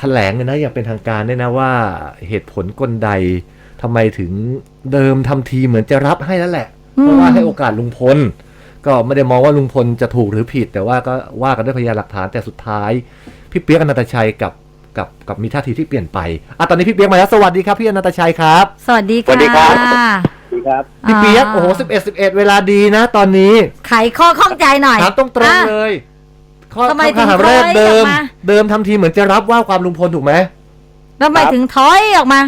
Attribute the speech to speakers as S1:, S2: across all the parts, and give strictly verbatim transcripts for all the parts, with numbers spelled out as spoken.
S1: แถลงเลยนะอย่างเป็นทางการเนี่ยนะว่าเหตุผลกลใดทำไมถึงเดิมทำทีเหมือนจะรับให้แล้วแหละเพราะว่าให้โอกาสลุงพลก็ไม่ได้มองว่าลุงพลจะถูกหรือผิดแต่ว่าก็ว่ากันด้วยพยานหลักฐานแต่สุดท้ายพี่เปี๊ยกอนันตชัยกับกับกับมีท่าทีที่เปลี่ยนไปอ่ะตอนนี้พี่เปี๊ยกมาแล้วสวัสดีครับพี่อนันตชัยครับ
S2: สวัสดีค่ะ
S3: สวัสดีครับสวัสดีครับ
S1: พี่เปี๊ยกโอ้โหสิบเอ็ดสิบเอ็ดเวลาดีนะตอนนี้
S2: ไขข้อข้องใจหน่อย
S1: ถามตรงๆเลยข้อ
S2: ทำไมถึง
S1: คำถามแรก
S2: ถอย
S1: เดิ
S2: ออ
S1: ม
S2: กมา
S1: เดิมทำทีเหมือนจะรับว่าความลุงพลถูกไหม
S2: ทำไมถึงถอยออกมา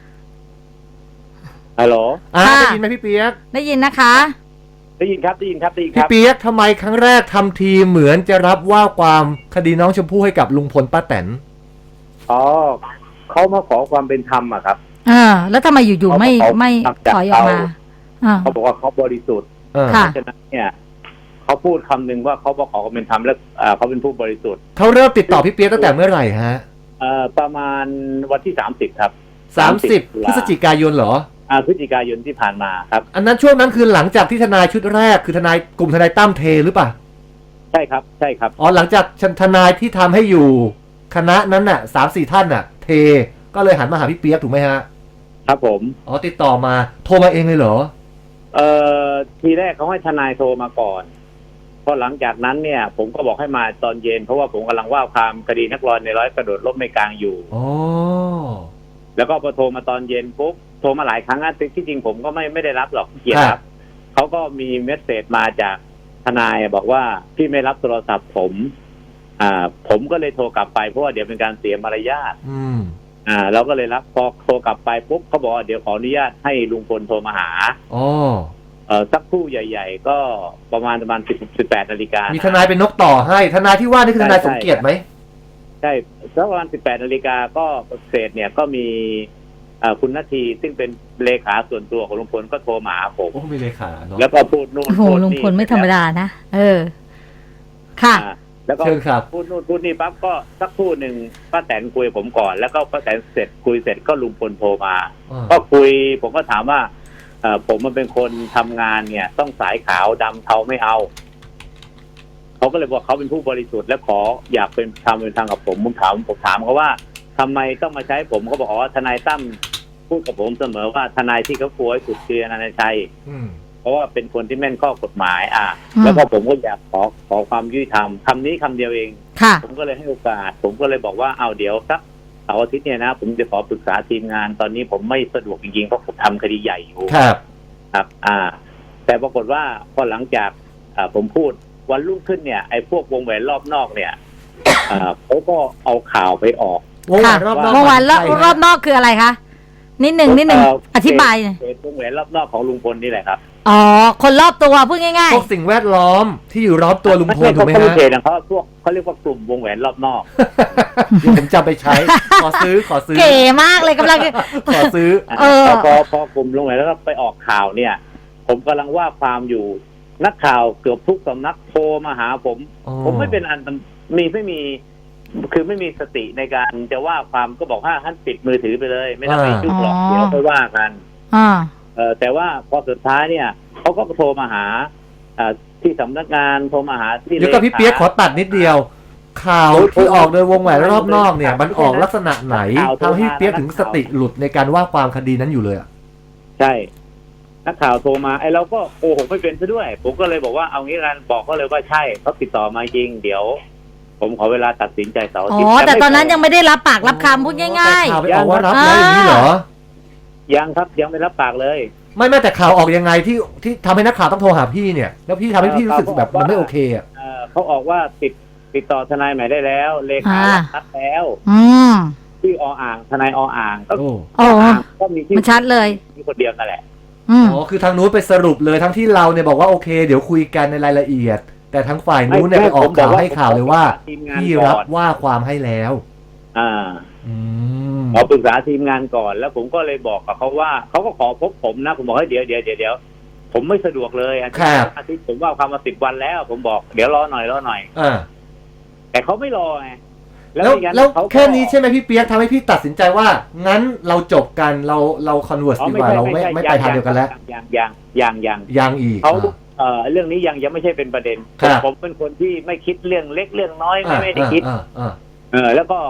S3: ฮัลโหล
S1: อ่า
S2: ค่ะ
S1: ได้ยินไหมพี่เปี๊ยก
S2: ได้ยินนะคะ
S3: ได้ยินครับได้ยินครับได้ยินค
S1: พี่
S3: รับ
S1: เปี๊ยกทำไมครั้งแรกทำทีเหมือนจะรับว่าความคดีน้องชมพู่ให้กับลุงพลป้าแตน
S3: อ๋อเขามาขอความเป็นธรรมอะครับ
S2: เออแล้วทำไมอยู่ๆไม่ไม่ถอยออกมาอ่า
S3: เขาบอกว่าเขาบริสุทธิ์
S1: เออ
S3: เพ
S2: ค่ะ
S3: ราะฉะนั้นเนี่ยเขาพูดคำหนึ่งว่าเขามาขอความเป็นธรรมและอ่าเขาเป็นผู้บริสุทธิ์
S1: เขาเริ่มติดต่อพี่เปี๊ยกตั้งแต่เมื่อไหร่ฮะ
S3: เอ่อประมาณวันที่สามสิบครับ
S1: สามสิบพฤศจิกายนเหรอ
S3: อ่าพฤศจิกายนที่ผ่านมาครับ
S1: อันนั้นช่วงนั้นคือหลังจากที่ทนายชุดแรกคือทนายกลุ่มทนายตั้มเทหรือเปล่า
S3: ใช่ครับใช่ครับ
S1: อ๋อหลังจากทนายที่ทำให้อยู่คณะนั้นน่ะสามสี่ท่านน่ะ เทก็เลยหันมาหาพี่เปี๊ยกถูกไหมฮะ
S3: ครับผม
S1: อ๋อติดต่อมาโทรมาเองเลยเหรอ
S3: เอ่อทีแรกเขาให้ทนายโทรมาก่อนพอหลังจากนั้นเนี่ยผมก็บอกให้มาตอนเย็นเพราะว่าผมกำลังว่าความคดีนักร้อยในร้อยกระโดดร่มในกลางอยู่
S1: อ๋อ
S3: แล้วก็พอโทรมาตอนเย็นปุ๊บโทรมาหลายครั้งนะที่จริงผมก็ไม่ไม่ได้รับหรอกเกียรติครับเขาก็มีเมสเสจมาจากทนายบอกว่าพี่ไม่รับโทรศัพท์ผมอ่าผมก็เลยโทรกลับไปเพราะว่าเดี๋ยวเป็นการเสียมารยาท
S1: อืม
S3: อ่าเราก็เลยรับพอโทรกลับไปปุ๊บเขาบอกว่าเดี๋ยวขออนุญาตให้ลุงพลโทรมาหา
S1: อ๋อ
S3: เอ่อสักครู่ใหญ่ๆก็ประมาณประมาณสิบสิบแปดนาฬิกา
S1: มีทนายเป็นนกต่อให้ทนายที่ว่านี่คือทนายสมเกียรติไหม
S3: ใช่สักประมาณสิบแปดนาฬิกาก็เศษเนี่ยก็มีคุณนาทีซึ่งเป็นเลขาส่วนตัวของลุงพลก็โทรมาหาผม
S1: โอ้มีเลขาเนาะ
S3: แล้วก็พูดนู่น
S2: โอ้โหลุงพลไม่ธรรมดานะเออค่ะ
S3: แล้วก็พูดนู่นพูดนี่ปั๊บก็สักครู่หนึ่งป้าแตนคุยผมก่อนแล้วก็ป้าแตนเสร็จคุยเสร็จก็ลุงพลโทรมาก็คุยผมก็ถามว่าผมมันเป็นคนทำงานเนี่ยต้องสายขาวดำเทาไม่เอาเขาก็เลยบอกเขาเป็นผู้บริสุทธิ์และขออยากเป็นทำเป็นทางกับผมผมถามผมถามเขาว่าทำไมต้องมาใช้ผมเขาบอกอ๋อทนายตั้มพูดกับผมเสมอว่าทนายที่เขาควรสุดคืออนันตชัยเพราะว่าเป็นคนที่แม่นข้อกฎหมายอ่ะแล้วก็ผมก็อยากขอขอความยุติธรรมคำนี้คำเดียวเองผมก็เลยให้โอกาสผมก็เลยบอกว่าเอาเดี๋ยวสักเสาร์อาทิตย์เนี่ยนะผมจะขอปรึกษาทีมงานตอนนี้ผมไม่สะดวกจริงๆเพราะผมทำคดีใหญ่อยู่
S1: ครับ
S3: ครับอ่าแต่ปรากฏว่าพอหลังจากอ่าผมพูดวันรุ่งขึ้นเนี่ยไอ้พวกวงแหวนรอบนอกเนี่ยอ่าเขาก็เอาข่าวไปออก
S1: วงแหวนรอบนอก
S2: วงแหวนรอบนอกคืออะไรคะนิดหนึ่งนิดหนึ่งอธิบายหน่อย
S3: วงแหวนรอบนอกของลุงพลนี่แหละครับ
S2: อ๋อคนรอบตัวพูดง่าย
S1: ๆพวกสิ่งแวดล้อมที่อยู่รอบตัวลุงพลถูกไหมฮะ
S3: เขาพวกเขาเรียกว่ากลุ่มวงแหวนรอบนอก
S1: ผมจำไปใช้ขอซื้อขอซื้อ
S2: เก๋มากเลยกำลัง
S1: ขอซื้อ
S3: เออพอพอกลุ่มวงแหวนแล้วก็ไปออกข่าวเนี่ยผมกำลังว่าความอยู่นักข่าวเกือบทุกสำนักโทรมาหาผมผมไม่เป็นอันมีไม่มีคือไม่มีสติในการจะว่าความก็บอกว่าท่านปิดมือถือไปเลยไม่ต้องไปยุ่งหรอกเดี๋ยวไปว่ากันเออแต่ว่าพอสุดท้ายเนี่ยเขาก็โทรมาหาที่สำนักงานโทรมาหาที่
S1: เดี๋ยวกับพี่เปี๊ยกขอตัดนิดเดียวข่าวที่ออกโดยวงแหวนรอบนอกเนี่ยมันออกลักษณะไหนทำให้พี่เปี๊ยกถึงสติหลุดในการว่าความคดีนั้นอยู่เลยอ่ะ
S3: ใช่นักข่าวโทรมาไอ้เราก็โกหกไม่เป็นซะด้วยผมก็เลยบอกว่าเอางี้กันบอกเขาเลยว่าใช่เขาติดต่อมาจริงเดี๋ยวผมขอเวลาตัดสินใจเสาร์อาทิตย์
S2: อ๋อแต่ตอนนั้นยังไม่ได้รับปากรับคำพูดง่าย
S1: ๆข่าวไปออกว่ารับแล้วอย่างนี้เหรอ
S3: ยังครับยังไม่รับปากเลย
S1: ไม่ไม่แต่ข่าวออกยังไงที่ที่ทำให้นักข่าวต้องโทรหาพี่เนี่ยแล้วพี่ทำให้พี่รู้สึกแบบมันไม่โอเคอ่ะ
S3: เขาออกว่าติดติดต่อทนายใหม่ได้แล้วเลขาชัดแล้วที่ออ่างทนายออ่างก็
S2: ก็มีที่ชัดเลย
S3: มีคนเดียวนั่นแหละ
S1: อ๋อคือทางนู้นไปสรุปเลยทั้งที่เราเนี่ยบอกว่าโอเคเดี๋ยวคุยกันในรายละเอียดแต่ทั้งฝ่ายนู้นเนี่ยไปออกข่าวให้ข่าวเลยว่าพี่รับว่าความให้แล้ว
S3: อ่าขอปรึกษาทีมงานก่อนแล้วผมก็เลยบอกกับเขาว่าเขาก็ขอพบผมนะผมบอกให้เดี๋ยวเดี๋ยวเดี๋ยวเดี๋ยวผมไม่สะดวกเลยอาทิตย์ผมว่าความมาสิบวันแล้วผมบอกเดี๋ยวรอหน่อยรอหน่อย
S1: อ่า
S3: แต่เขาไม่รอไง
S1: แล้วแล้วแค่นี้ใช่ไหมพี่เปี๊ยกทำให้พี่ตัดสินใจว่างั้นเราจบกันเราเราคอนเวิร์สดีกว่าเราไม่ไม่ไปทางเดียวกันแล้ว
S3: ยังยังยังยัง
S1: ยังอีก
S3: เขาเอ่อเรื่องนี้ยังยังไม่ใช่เป็นประเด็นผมเป็นคนที่ไม่คิดเรื่องเล็กเรื่องน้อยไม่ไม่ได้คิดเออแล้วก็ผ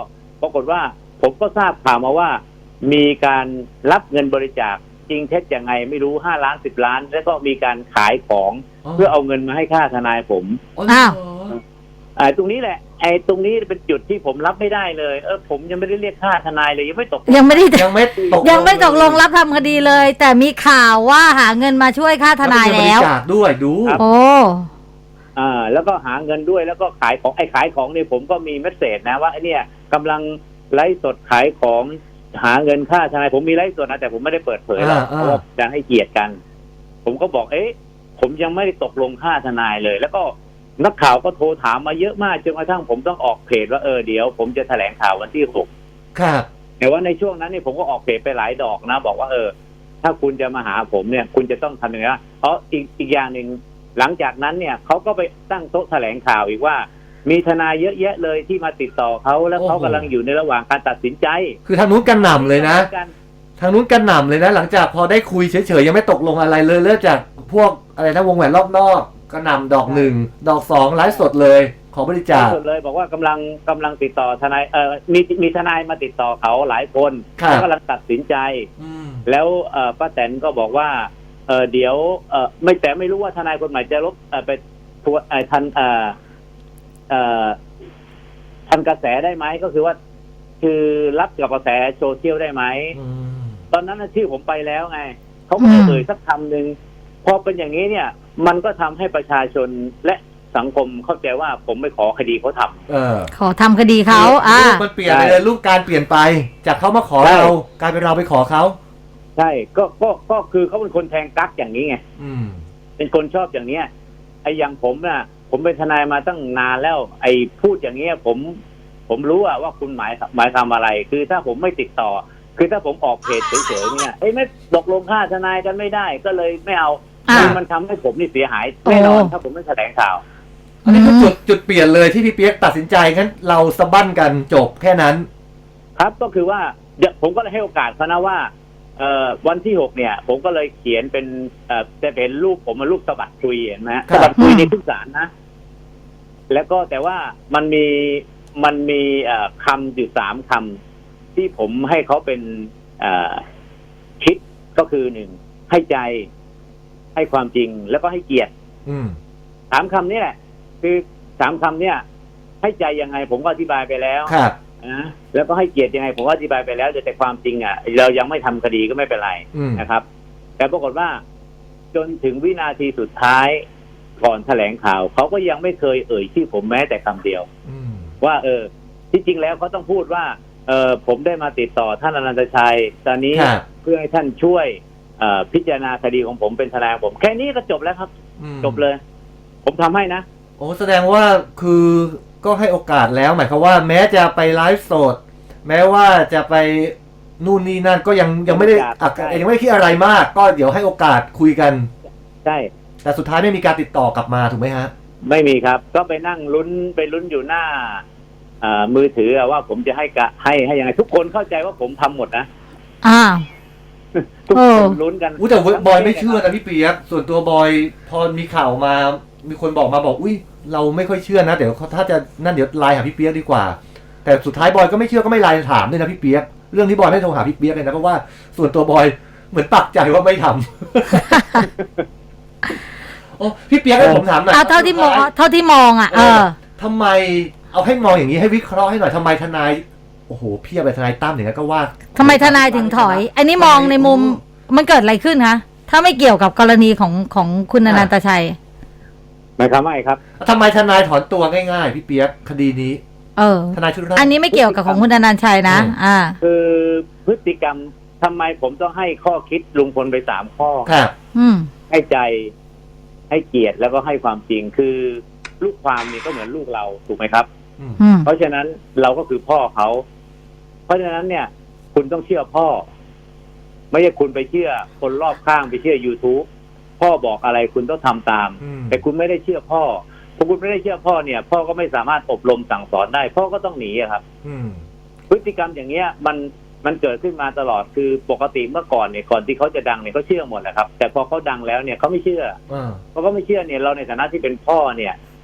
S3: ปรากฏว่าผมก็ทราบข่าวมาว่ามีการรับเงินบริจาคจริงเท็จยังไงไม่รู้ห้าล้านสิบล้านแล้วก็มีการขายของเพื่อเอาเงินมาให้ค่าทนายผม
S2: อ้าว
S3: อ่าตรงนี้แหละไอ้ตรงนี้เป็นจุดที่ผมรับไม่ได้เลยเออผมยังไม่ได้เรียกค่าทนายเลยยังไม่ตก
S2: ยังไม่ได้
S1: ยังไม่ตก
S2: ยังไม่ตกลงรับทำคดีเลย แต่มีข่าวว่าหาเงินมาช่วยค่าทนายแล้ว
S1: บริจาคด้วยดู
S2: โอ้
S3: อ่าแล้วก็หาเงินด้วยแล้วก็ขายของไอ้ขายของเนี่ยผมก็มีเมสเสจนะว่าไอ้เนี่ยกำลังไลฟ์สดขายของหาเงินค่าทนายผมมีไลฟ์สดนะแต่ผมไม่ได้เปิดเผยหรอกเพราะว่าจะให้เกียรติกันผมก็บอกเอ๊ะผมยังไม่ได้ตกลงค่าทนายเลย แล้วก็นักข่าวก็โทรถามมาเยอะมากจนกระทั่งผมต้องออกเพจว่าเออเดี๋ยวผมจะแถลงข่าววันที่หก
S1: ครับ
S3: แต่ว่าในช่วงนั้นเนี่ยผมก็ออกเพจไปหลายดอกนะบอกว่าเออถ้าคุณจะมาหาผมเนี่ยคุณจะต้องทำอย่างนี้เพราะอีกอีกอย่างหนึ่งหลังจากนั้นเนี่ยเขาก็ไปตั้งโต๊ะแถลงข่าวอีกว่ามีทนายเยอะแยะเลยที่มาติดต่อเขาแล้วเขากำลังอยู่ในระหว่างการตัดสินใจ
S1: คือทางนู้นกันหน่ำเลยนะทางนู้นกันหน่ำเลยนะหลังจากพอได้คุยเฉยๆยังไม่ตกลงอะไรเลยเริ่มจากพวกอะไรนะวงแหวนรอบนอกก็นำดอกหนึ่งดอกสองไลฟ์สดเลยขอบริจาค
S3: สดเลยบอกว่ากำลังกำลังติดต่อทนายเอ่อมีมีทนายมาติดต่อเขาหลายคนเขากำลังตัดสินใจแล้วเอ่อป้าแตนก็บอกว่าเออเดี๋ยวเออไม่แต่ไม่รู้ว่าทนายคนใหม่จะลบเอ่อไปทัวเอ่อทันเอ่อเอ่อทันกระแสได้ไหมก็คือว่าคือรับกับกระแสโซเชียลได้ไหมตอนนั้นน่ะชื่อผมไปแล้วไงเขาไม่ได้เอ่ยสักคำหนึ่งพอเป็นอย่างนี้เนี่ยมันก็ทำให้ประชาชนและสังคมเข้าใจว่าผมไม่ขอคดีเขาทำเออ
S2: ขอทำคดีเขาอ่า
S1: รูปมันเปลี่ยนไปเลยรูปการเปลี่ยนไปจากเขามาขอเรากลายเป็นเราไปขอเขา
S3: ใช่ก็ก็ก็คือเขาเป็นคนแทงกั๊กอย่างนี้ไงเป็นคนชอบอย่างเนี้ยไอ้อย่างผมน่ะผมเป็นทนายมาตั้งนานแล้วไอ้พูดอย่างเงี้ยผมผมรู้อะว่าคุณหมายหมายทำอะไรคือถ้าผมไม่ติดต่อคือถ้าผมออกเพจเฉยๆเนี่ยไอ้ไม่ตกลงค่าทนายกันไม่ได้ก็เลยไม่เอาคือมันทำให้ผมนี่เสียหายแน่นอนถ้าผมไม่แถลงข่าว
S1: อันนี้คือจุดจุดเปลี่ยนเลยที่พี่เปี๊ยกตัดสินใจงั้นเราสะบั้นกันจบแค่นั้น
S3: ครับก็คือว่าเดี๋ยวผมก็เลยให้โอกาสเขานะว่าเอ่อวันที่หกเนี่ยผมก็เลยเขียนเป็นเอ่อจะเป็นรูปผมมารูปสะบัดคุยเห็นไหมสะบัดคุยในทุกศาลนะแล้วก็แต่ว่ามันมีมันมีเอ่อคำอยู่สามคำที่ผมให้เขาเป็นเอ่อคิดก็คือหนึ่งให้ใจให้ความจริงแล้วก็ให้เกียรติสามคำนี้แหละคือสามคำเนี่ยให้ใจยังไงผมก็อธิบายไปแล้วนะแล้วก็ให้เกียรติยังไงผมก็อธิบายไปแล้วแต่ความจริงอ่ะเรายังไม่ทำคดีก็ไม่เป็นไรนะครับแต่ปรากฏว่าจนถึงวินาทีสุดท้ายก่อนแถลงข่าวเขาก็ยังไม่เคยเอ่ยชื่อผมแม้แต่คำเดียวว่าเออที่จริงแล้วเขาต้องพูดว่าเออผมได้มาติดต่อท่านอนันตชัยตอนนี้เพื่อให้ท่านช่วยพิจารณาคดีของผมเป็นทนายผมแค่นี้ก็จบแล้วครับจบเลยผมทำให้นะ
S1: โอ้แสดงว่าคือก็ให้โอกาสแล้วหมายความว่าแม้จะไปไลฟ์สดแม้ว่าจะไปนู่นนี่นั่นก็ยังยังไม่ได้ยังไม่ได้คิดอะไรมากก็เดี๋ยวให้โอกาสคุยกัน
S3: ใช่
S1: แต่สุดท้ายไม่มีการติดต่อกลับมาถูกไหมฮะ
S3: ไม่มีครับก็ไปนั่งลุ้นไปลุ้นอยู่หน้ามือถือว่าผมจะให้กะให้ให้ยังไงทุกคนเข้าใจว่าผมทำหมดนะ
S2: อ่า
S3: ทุกคนลุ้นกัน
S1: อุ้ยแต่บอยไม่เชื่อนะพี่เปียกส่วนตัวบอยพอมีข่าวมามีคนบอกมาบอกอุ้ยเราไม่ค่อยเชื่อนะเดี๋ยวถ้าจะนั่นเดี๋ยวไลน์หาพี่เปียกดีกว่าแต่สุดท้ายบอยก็ไม่เชื่อก็ไม่ไลน์ถามด้วยนะพี่เปียกเรื่องที่บอยไม่โทรหาพี่เปียกเลยนะเพราะว่าส่วนตัวบอยเหมือนปักใจว่าไม่ทำโอ้พี่เปียกให้ผมถามหน่อย
S2: เท่าที่มองเท่าที่มองอ่ะเออ
S1: ทำไมเอาให้มองอย่างนี้ให้วิเคราะห์ให้หน่อยทำไมทนายโอ้โหเพียบเลยทนายตั้มอย่างนั้นก็ว่า
S2: ทำไมทนายถึงถอยอันนี้มองในมุมมันเกิดอะไรขึ้นคะถ้าไม่เกี่ยวกับกรณีของของคุณอนันตชัย
S3: หมายความว่าไงครับ
S1: ทำไมทนายถอนตัวง่ายๆพี่เปียกคดีนี้
S2: เออทนายชุดแรกอันนี้ไม่เกี่ยวกับของคุณอนันตชัยนะอ่า
S3: คือพฤติกรรมทำไมผมต้องให้ข้อคิดลุงพลไปสามข้อ
S1: ครับ
S2: อืม
S3: ให้ใจให้เกียรติแล้วก็ให้ความจริงคือลูกความนี่ก็เหมือนลูกเราถูกไหมครับเพราะฉะนั้นเราก็คือพ่อเขาเพราะฉะนั้นเนี่ยคุณต้องเชื่อพ่อไม่ใช่คุณไปเชื่อคนรอบข้างไปเชื่อ YouTube พ่อบอกอะไรคุณต้องทำตามแต่คุณไม่ได้เชื่อพ่อพอคุณไม่ได้เชื่อพ่อเนี่ยพ่อก็ไม่สามารถอบรมสั่งสอนได้พ่อก็ต้องหนีครับพฤติกรรมอย่างเงี้ยมันมันเกิดขึ้นมาตลอดคือปกติเมื่อก่อนเนี่ยก่อนที่เขาจะดังเนี่ยเขาเชื่อหมดแหละครับแต่พอเขาดังแล้วเนี่ยเขาไม่เชื่อพอเขาไม่เชื่อเนี่ยเราในฐานะที่เป็นพ่อเนี่ย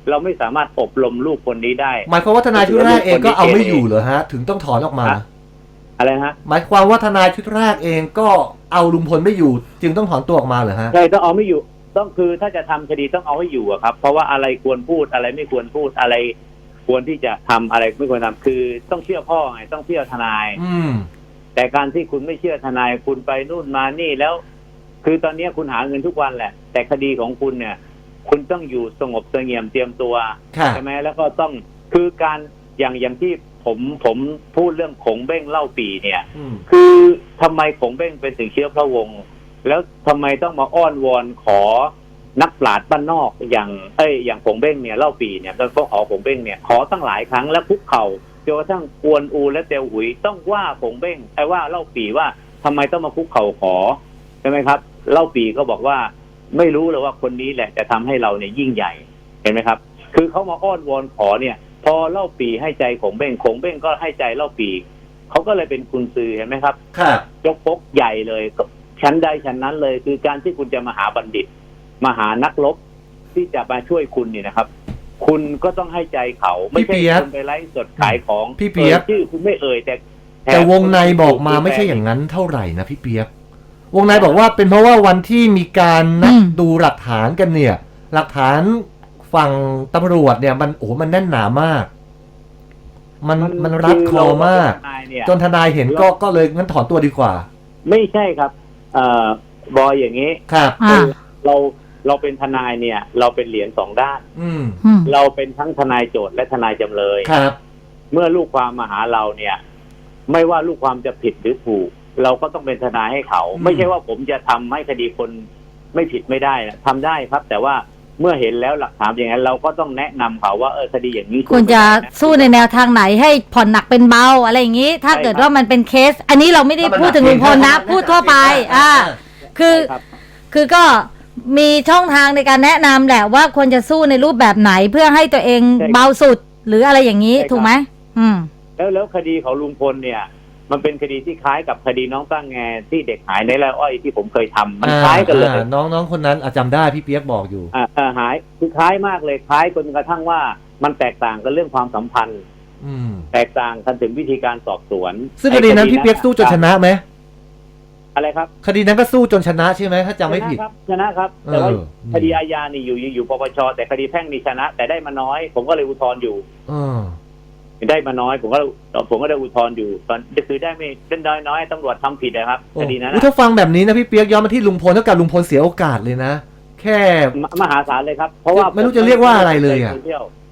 S3: เราไม่สามารถอบรมลูกคนนี้ได้
S1: หมายความว่าทนายชุดแรกเองก็เอาไม่อยู่เหรอฮะถึงต้องถอนออกมา
S3: อะไรฮะ
S1: หมายความว่าทนายชุดแรกเองก็เอาลุงพลไม่อยู่ จึงต้องถอนตัวออกมาเหรอฮะ
S3: ใช่ต้องเอาไม่อยู่ต้องคือถ้าจะทำคดีต้องเอาให้อยู่อะครับเพราะว่าอะไรควรพูดอะไรไม่ควรพูดอะไรควรที่จะทำอะไรไม่ควรทำคือต้องเชื่อพ่อไงต้องเชื่อทนาย
S1: อืม
S3: แต่การที่คุณไม่เชื่อทนายคุณไปนู่นมานี่แล้ว คือตอนนี้คุณหาเงินทุกวันแหละแต่คดีของคุณเนี่ยคุณต้องอยู่สงบเสงี่ยมเตรียมตัวใช่ไหมแล้วก็ต้องคือการอย่างอย่างที่ผมผมพูดเรื่องขงเบ้งเล่าปีเนี่ยคือทำไมขงเบ้งเป็นถึงเชื้อพระวงศ์แล้วทำไมต้องมาอ้อนวอนขอนักปราชญ์บ้านนอกอย่างเอ้ยอย่างขงเบ้งเนี่ยเล่าปีเนี่ยแล้วก็ขอขงเบ้งเนี่ยขอตั้งหลายครั้งแล้วคุกเข่าจนกระทั่งกวนอูและเตียวหุยต้องว่าขงเบ้งไอ้ว่าเล่าปีว่าทำไมต้องมาคุกเข่าขอใช่ไหมครับเล่าปีก็บอกว่าไม่รู้เลยว่าคนนี้แหละจะทำให้เราเนี่ยยิ่งใหญ่เห็นไหมครับคือเขามาอ้อนวอนขอเนี่ยพอเล่าปีให้ใจขงเบ้งขงเบ้งก็ให้ใจเล่าปีเขาก็เลยเป็นกุญซือเห็นไหมครับ
S1: ครับ
S3: ยกปกใหญ่เลยชั้นใดชั้นนั้นเลยคือการที่คุณจะมาหาบัณฑิตมาหานักรบที่จะมาช่วยคุณเนี่ยนะครับคุณก็ต้องให้ใจเขาไม่ใช่คุณไปไลฟ์สดขายของ
S1: พี่เปียก
S3: ชื่อคุณไม่เอ่ยแต่
S1: แต่วงในบอกมาไม่ใช่อย่างนั้นเท่าไหร่นะพี่เปียกวงในบอกว่าเป็นเพราะว่าวันที่มีการนัดดูหลักฐานกันเนี่ยหลักฐานฝั่งตำรวจเนี่ยมันโอ้มันแน่นหนามากมันมันรัดคอมากจนทนายเห็นก็ก็เลยงั้นถอนตัวดีกว่า
S3: ไม่ใช่ครับเอ่อบอยอย่างนี้
S1: ครับ
S3: เราเราเป็นทนายเนี่ย เราเป็นเหรียญสองด้านเราเป็นทั้งทนายโจทย์และทนายจำเลย
S1: ครับ
S3: เมื่อลูกความมาหาเราเนี่ยไม่ว่าลูกความจะผิดหรือถูกเราก็ต้องเป็นทนายให้เขาไม่ใช่ว่าผมจะทำให้คดีคนไม่ผิดไม่ได้นะทำได้ครับแต่ว่าเมื่อเห็นแล้วหลักฐานอย่างนั้นเราก็ต้องแนะนำเขาว่าเออคดีอย่างนี้
S2: คุณจะสู้ในแนวทางไหนให้ผ่อนหนักเป็นเบาอะไรอย่างนี้ถ้าเกิดว่ามันเป็นเคสอันนี้เราไม่ได้พูดถึงลุงพลนะพูดทั่วไปอ่าคือคือก็มีช่องทางในการแนะนำแหละว่าควรจะสู้ในรูปแบบไหนเพื่อให้ตัวเองเบาสุดหรืออะไรอย่างนี้ถูกไหมอืม
S3: แล้วแล้วคดีของลุงพลเนี่ยมันเป็นคดีที่คล้ายกับคดีน้องตั้งแงที่เด็กหายในไร่อ้อยที่ผมเคยทำมันคล้ายกันเลย
S1: น้องน้องคนนั้นจำได้พี่เปียกบอกอยู่
S3: อ่าหายคือคล้ายมากเลยคล้ายจนกระทั่งว่ามันแตกต่างกันเรื่องความสัมพันธ์แตกต่างกันถึงวิธีการสอบสวน
S1: ซึ่งคดีนั้นพี่เปียกสู้จนชนะไหม
S3: อะไรครับ
S1: คดีนั้นก็สู้จนชนะใช่ไหมถ้าจำไม่ผิด
S3: ชนะครับแต่ว่าคดีอาญานี่อยู่อยู่ปปชแต่คดีแพ่งนี่ชนะแต่ได้มาน้อยผมก็เลยอุทธรณ์อยู่ได้มาน้อยผมก็ผมก็ได้อุทธรณ์อยู่ตอนจะคือได้ไม่ได้น้อยน้อยตำรวจทำผิดนะครับคดีนั้น
S1: ถ้าฟังแบบนี้นะพี่เปียกย้อนมาที่ลุงพลเท่ากับลุงพลเสียโอกาสเลยนะแค่
S3: มหาศาลเลยครับเพราะว่า
S1: ไม่รู้จะเรียกว่าอะไรเลยอ่ะ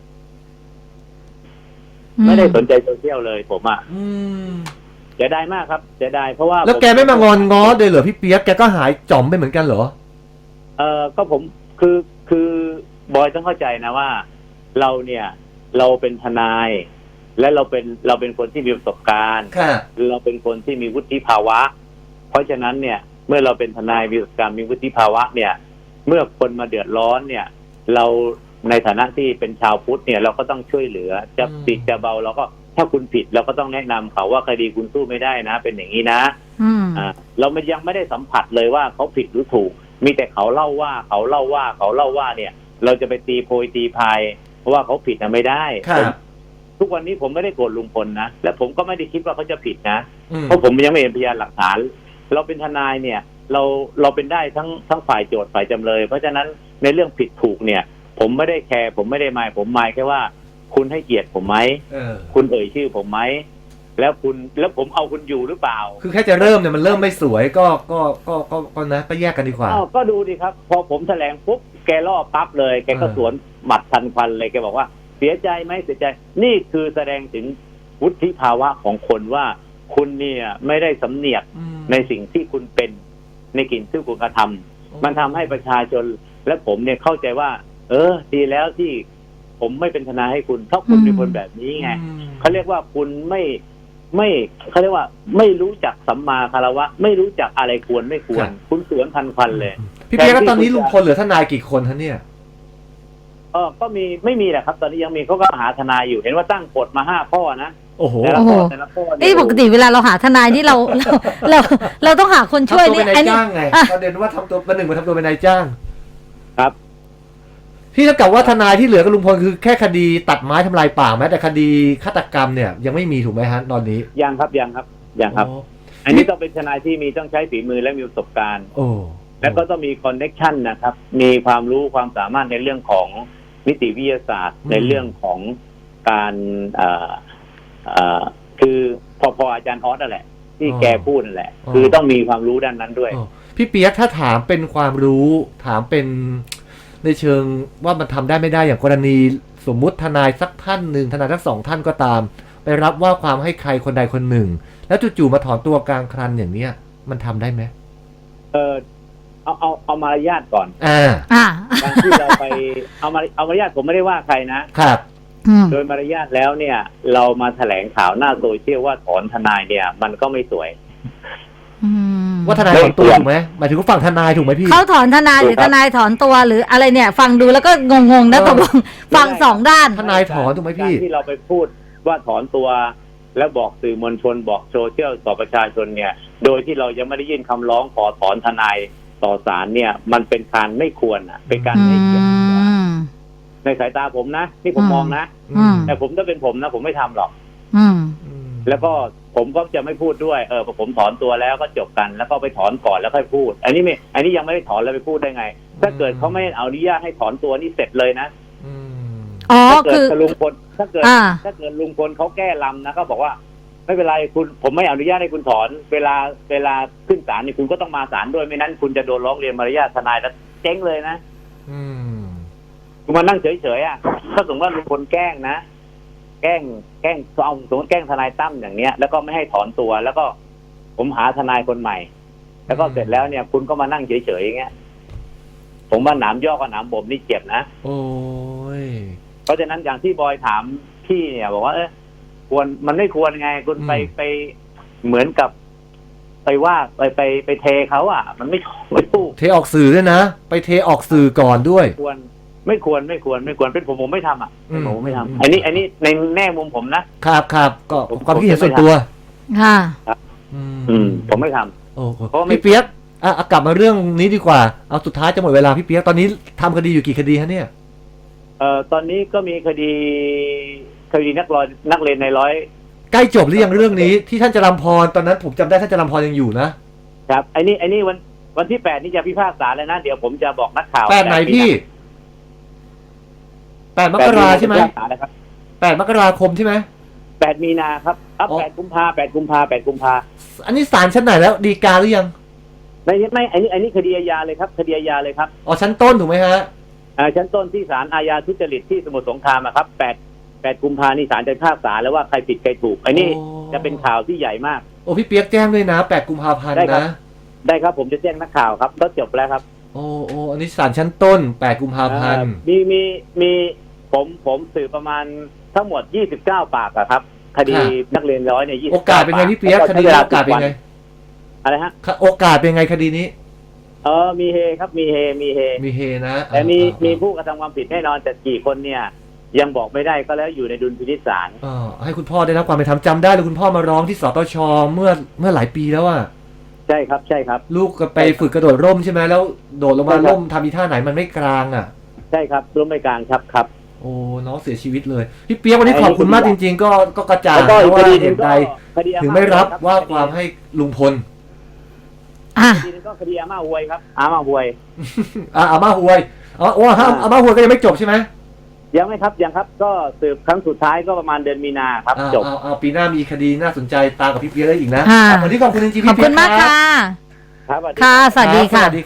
S3: ไม่ได้สนใจโซเชียลเลยผมอ่ะเสียดายมากครับเสียดายเพราะว่า
S1: แล้วแกไม่มางอนง้อเลยเหรอพี่เปียกแกก็หายจ่อมไปเหมือนกันเหรอ
S3: เออก็ผมคือคือบอยต้องเข้าใจนะว่าเราเนี่ยเราเป็นทนายและเราเป็นเราเป็นคนที่มีประสบการณ์เราเป็นคนที่มีวุฒิภาวะเพราะฉะนั้นเนี่ยเมื่อเราเป็นทนายมีประสบการณ์มีวุฒิภาวะเนี่ยเมื่อคนมาเดือดร้อนเนี่ยเราในฐานะที่เป็นชาวพุทธเนี่ยเราก็ต้องช่วยเหลือจะผิดจะเบาเราก็ถ้าคุณผิดเราก็ต้องแนะนำเขาว่าคดีคุณสู้ไม่ได้นะเป็นอย่างนี้นะอ่าเรามันยังไม่ได้สัมผัสเลยว่าเขาผิดหรือถูกมีแต่เขาเล่าว่าเขาเล่าว่าเขาเล่าว่าเนี่ยเราจะไปตีโพยตีพายเพราะว่าเขาผิดนะไม่ได้ทุกวันนี้ผมไม่ได้โกรธลุงพลนะและผมก็ไม่ได้คิดว่าเขาจะผิดนะเพราะผมยังไม่เห็นพยานหลักฐานเราเป็นทนายเนี่ยเราเราเป็นได้ทั้งทั้งฝ่ายโจทย์ฝ่ายจำเลยเพราะฉะนั้นในเรื่องผิดถูกเนี่ยผมไม่ได้แคร์ผมไม่ได้หมายผมหมายแค่ว่าคุณให้เกียรติผมไหมคุณเอ่ยชื่อผมไหมแล้วคุณแล้วผมเอาคุณอยู่หรือเปล่า
S1: คือแค่จะเริ่มเนี่ยมันเริ่มไม่สวยก็ก็ก็ก็ก็นะก็แยกกันดีกว่า
S3: ก็ดูดิครับพอผมแถลงปุ๊บแกล่อปั๊บเลยแกก็สวนหมัดทันควันเลยแกบอกว่าเสียใจไหมเสียใจนี่คือแสดงถึงวุฒิภาวะของคนว่าคุณเนี่ยไม่ได้สำเนียกในสิ่งที่คุณเป็นในสิ่งที่คุณกระทำมันทำให้ประชาชนและผมเนี่ยเข้าใจว่าเออดีแล้วที่ผมไม่เป็นทนายให้คุณเพราะคุณเป็นคนแบบนี้ไงเขาเรียกว่าคุณไม่ไม่เขาเรียกว่าไม่รู้จักสัมมาคารวะไม่รู้จักอะไรควรไม่ควรคุณสวนทันควันเลย
S1: พี่เปียกตอนนี้ลุงพลเหลือทนายกี่คนท่านเนี่ย
S3: เออก็มีไม่มีแหละครับตอนนี้ยังมีเขาก็หาทนายอยู่เห็นว่าตั้งกฎมาห้าข้อนะ
S1: โอ้โห
S3: แต่ละข้อแต่ละข้อ
S2: นี่ปกติเวลาเราหาทนายที่เราเราเราเราต้องหาคนช่วย
S1: นี่ไอ้นี่จ้างไงประเด็นว่าทำตัวเป็นหนึ่งมาทำตัวเป็นนายจ้าง
S3: ครับ
S1: ที่เท่ากับว่าทนายที่เหลือกับลุงพลคือแค่คดีตัดไม้ทำลายป่าแม้แต่คดีฆาตกรรมเนี่ยยังไม่มีถูกไหมฮะตอนนี้
S3: ยังครับยังครับยังครับ
S1: โอ้
S3: อันนี้ต้องเป็นทนายที่มีต้องใช้ฝีมือและมีประสบการณ์
S1: โอ้
S3: แล้วก็ต้องมีคอนเน็กชันนะครับ มีความรู้ความสามารถในเรื่องของนิติวิทยาศาสตร์ ในเรื่องของการเอ่อเอ่อคือพอพออาจารย์ออสนั่นแหละ ที่แกพูดนั่นแหละ คือต้องมีความรู้ด้านนั้นด้วย
S1: โอ้พี่เปียกถ้าถามเป็นความรู้ถามเป็นในเชิงว่ามันทำได้ไม่ได้อย่างกรณีสมมุติทนายสักท่านหนึ่งทนายทั้งสองท่านก็ตาม ไปรับว่าความให้ใครคนใดคนหนึ่ง แล้วจู่ๆมาถอนตัวกลางคันอย่างเนี้ยมันทำได้ไหม
S3: เออเอาเอาเอามารยาทก่อน
S1: อ่า
S2: อ่า
S3: การที่เราไปเอามาเอามารยาทผมไม่ได้ว่าใครนะ
S1: ครับ
S2: อืม
S3: โดยมารยาทแล้วเนี่ย เรามาแถลงข่าวหน้าโซเชียลว่าถอนทนายเนี่ย มันก็ไม่สวย
S2: อืม
S1: ว่าทนายถอนตัวถูกไหมหมายถึงว่าฝั่งทนายถูกไหมพี่
S2: เขาถอนทนายหรือ
S3: ถูกค
S2: ท
S3: รับ
S2: นายถอนตัวหรืออะไรเนี่ย ฟังดูแล้วก็งงๆนะ
S1: เออ
S2: ตกลงฟังสองด้าน
S1: ทนายถอนถูกไหมพี่
S3: การที่เราไปพูดว่าถอนตัว แล้วบอกสื่อมวลชนบอกโซเชียลต่อประชาชนเนี่ย โดยที่เรายังไม่ได้ยื่นคำร้องขอถอนทนายต่อศาลเนี่ย มันเป็นการไม่ควรอ่ะ เป็นการ
S2: อื
S3: ให้เกียรติ
S2: ม
S3: ในสายตาผมนะนี่ผม
S2: อืม
S3: มองนะ
S2: อืม
S3: แต่ผมถ้าเป็นผมนะผมไม่ทำหรอก
S2: อืม
S3: แล้วก็ผมก็จะไม่พูดด้วยเออพอผมถอนตัวแล้วก็จบกัน แล้วก็ไปถอนก่อนแล้วค่อยพูด อันนี้ไม่อันนี้ยังไม่ได้ถอนแล้วไปพูดได้ไง ถ้าเกิดเขาไม่อนุญาตให้ถอนตัวนี่เสร็จเลยนะ
S1: อืม
S2: อ๋อ
S3: ถ้าเกิด
S2: คือ
S3: ลุงพลถ้าเกิด
S2: อ่า
S3: ถ้าเกิดลุงพลเขาแก้ลำนะเขาบอกว่า ไม่เป็นไรคุณผมไม่อนุญาตให้คุณถอน เวลาเวลาขึ้นศาลนี่คุณก็ต้องมาศาลด้วยไม่นั้นคุณจะโดนร้องเรียนมารยาททนายแล้วเจ๊งเลยนะ
S1: อืม
S3: คุณมานั่งเฉยๆอ่ะถ้าสมมติว่าลุงพลแกล้งนะ แกล้งแกล้งเอาสมมติแกล้งทนายตั้มอย่างเนี้ย แล้วก็ไม่ให้ถอนตัว แล้วก็ผมหาทนายคนใหม่ แล้วก็เสร็จแล้วเนี่ย คุณก็มานั่งเฉยๆอย่างเงี้ยผมว่าหนามย่อกับหนามบ่มนี่เจ็บนะ
S1: โอ้ย
S3: เพราะฉะนั้นอย่างที่บอยถามพี่เนี่ยบอกว่าเออควรมันไม่ควรไงคุณไป
S1: อืม
S3: ไปเหมือนกับ ไปว่าไปไปไปเทเขาอ่ะ มันไม่ไม่ถูก
S1: เทออกสื่อด้วยนะ ไปเทออกสื่อก่อนด้วย
S3: ควรไม่ควรไม่ควรไม่ควรเป็นผมผมไม่ทำอ่ะเป็นผมไม่
S1: อืม
S3: ทำอันนี้ อันนี้ในแง่มุมผมนะครับ
S1: ครับก็
S3: ผม
S1: ความคิดเห็น
S3: ผมไม่
S1: ส่วนตัว
S2: ค่ะ
S1: อืม
S3: อืม ผมไม่ทำ
S1: โอ้โห
S3: เพราะไม่
S1: พี่เปียกอ่ะอ่ะกลับมาเรื่องนี้ดีกว่า เอาสุดท้ายจะหมดเวลาพี่เปียกตอนนี้ทำคดีอยู่กี่คดีฮะเนี่ย
S3: เอ่อตอนนี้ก็มีคดีคดีนักร้อยนักเรียนในร้อย
S1: ใกล้จบหรือยังเรื่องนี้ที่ท่านจรัมพรตอนนั้นผมจำได้ท่านจรัมพรยังอยู่นะครับ
S3: ไอ้นี่ไอ้นี่วันวันที่แปดนี่จะพิพากษาแล้วนะเดี๋ยวผมจะบอกนักข่าว
S1: แปดไหนพี่แปดมกราใช่ไหม
S3: พิพากษาแล้วครับ
S1: แปดมกราคมใช่ไหม
S3: แปดมีนาครับอ่ะ
S1: อ๋อ
S3: แปดกุมภาแปดกุมภาแปดกุมภา
S1: อันนี้ศาลชั้นไหนแล้วดีกาหรือยัง
S3: ไม่ไม่ไอ้นี่ไอ้นี่คดีอาญาเลยครับคดีอาญาเลยครับ
S1: อ๋อชั้นต้นถูกไหมฮะ
S3: อ่าชั้นต้นที่ศาลอาญาทุจริตที่สมุทรสงครามอะครับแปดแปดกุมภานี่ศาลจะพิพากษาแล้วว่าใครผิดใครถูกไอ้นี่
S1: โอ้
S3: จะเป็นข่าวที่ใหญ่มาก
S1: โอ้พี่เปียกแจ้งด้วยนะแปดกุมภาพันธ์
S3: ได้ครับ
S1: นะ
S3: ได้ครับผมจะแจ้งนักข่าวครับก็จบแล้วครับ
S1: โอ้โอ้อันนี้ศาลชั้นต้นแปดกุมภาพันธ์
S3: อ่ามีมีมีผมผมสืบประมาณทั้งหมดยี่สิบเก้าปากอะครับ คดีนักเรียนร้อยเนี่ยยี่สิบ
S1: โอกาสเป็นไงพี่เปียกคดีนี้โอกาสเป็นไง
S3: อะไรฮะ
S1: โอกาสเป็นไงคดีนี้
S3: เออมีเฮครับมีเฮมีเฮ
S1: มีเฮนะ
S3: แต่มี
S1: อ่า
S3: มีผู้กระทำความผิดแน่นอนแต่กี่คนเนี่ย ยังบอกไม่ได้ก็แล้วอยู่ในดุลพินิจศาล
S1: อ่าให้คุณพ่อได้รับความเป็นธรรมจำได้เลยคุณพ่อมาร้องที่สตชเมื่อเมื่อหลายปีแล้วอ่ะ
S3: ใช่ครับใช่ครับ
S1: ลูกก็ไปฝึกกระโดดร่มใช่ไหมแล้วโดดลงมา
S3: ใช่ครับ
S1: ร่มทำอีท่าไหนมันไม่กลางอ่ะ
S3: ใช่ครับร่วมไม่กลางครับครับ
S1: โอ้น้องเสียชีวิตเลยพี่เปียกวันนี้ขอบคุณมากจริง ๆ ก็ก็กระจ่าง
S3: แล้วก็
S1: นะ
S3: อีกค
S1: ว่า
S3: ดีห
S1: เห
S3: นึ่ง
S1: ตุ
S3: ก็
S1: ใด
S3: คดีอา
S1: ถึงไม่รับ
S3: ค
S1: ว่าความให้ลุงพล
S2: อ่ะ
S3: คดีหนึงก็คดีอาม่าหวยครับอาม่าหวย
S1: อ่าอาม่าหวยอ๋อโอ้ห้ามอาม่าหวยก็ยังไม่จบใช่ไหม
S3: ยังไม่ครับยังครับ ก็สืบครั้งสุดท้ายก็ประมาณเดือนมีนาครับ
S1: อ่า
S3: จบ
S1: เอาเอาปีหน้ามีคดีน่าสนใจตามกับพี่เปียกได้อีกนะ
S2: อ่า
S1: วันนี้ขอบคุณจริงๆ
S2: ขอบ
S1: พี่เปี
S2: คุ
S1: ย
S2: ณ
S1: ก
S2: มาก
S1: รับ
S2: ค่ะ
S3: ครับสวัสดี
S2: ค่ะ สวัสดี
S1: รับ
S2: ค่ะ
S1: สวัสดี